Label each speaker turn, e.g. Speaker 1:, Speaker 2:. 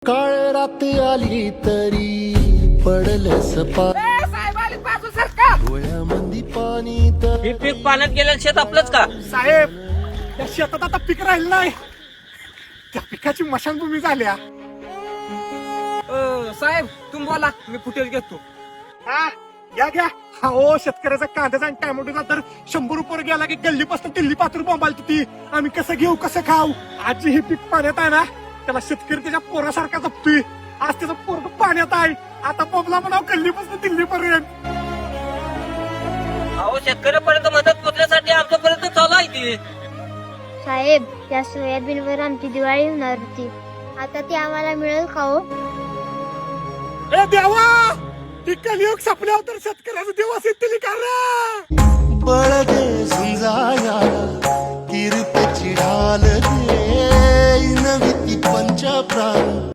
Speaker 1: काळ रात आली तरी पडल सपा
Speaker 2: साहेब आले बाजू सरकार.
Speaker 1: डोळ्यामंदी पाणी तर
Speaker 3: हे पीक पाण्यात गेलेलं शेत आपलंच का?
Speaker 2: साहेब त्या शेतात आता पीक राहिलं नाही, त्या पिकाची मशानभूमी झाल्या. साहेब तुम्ही बोला, मी फुटेज घेतो. हा घ्या घ्या. हा ओ शेतकऱ्याचा कांद्याचा आणि टॅमॅटोचा तर 100 रुपये गेला की गल्लीपासून दिल्ली पात्र बोंबाल ती. आम्ही कसं घेऊ कसं खाऊ? आजी हे पीक पाण्यात आहे ना, त्याला शेतकरी त्याच्या पोरासारखा जपतोय. आज त्याचं पोरग पाण्यात आहे, आता बोंबला म्हणाव गल्लीपासून दिल्लीपर्यंत.
Speaker 3: अहो शेतकऱ्यापर्यंत मदत पोहोचण्यासाठी आमच्यापर्यंत चालू आहे ती.
Speaker 4: साहेब त्या सोयाबीनवर आमची दिवाळी होणार होती, आता ती आम्हाला मिळेल का हो?
Speaker 2: ए देवा, ती कलियुग संपल्यावर तर शेतकऱ्याचा दिवस येतील का रे?
Speaker 1: बळ दे झुंजाया किरपेची ढाल दे नवी ती पंच प्राण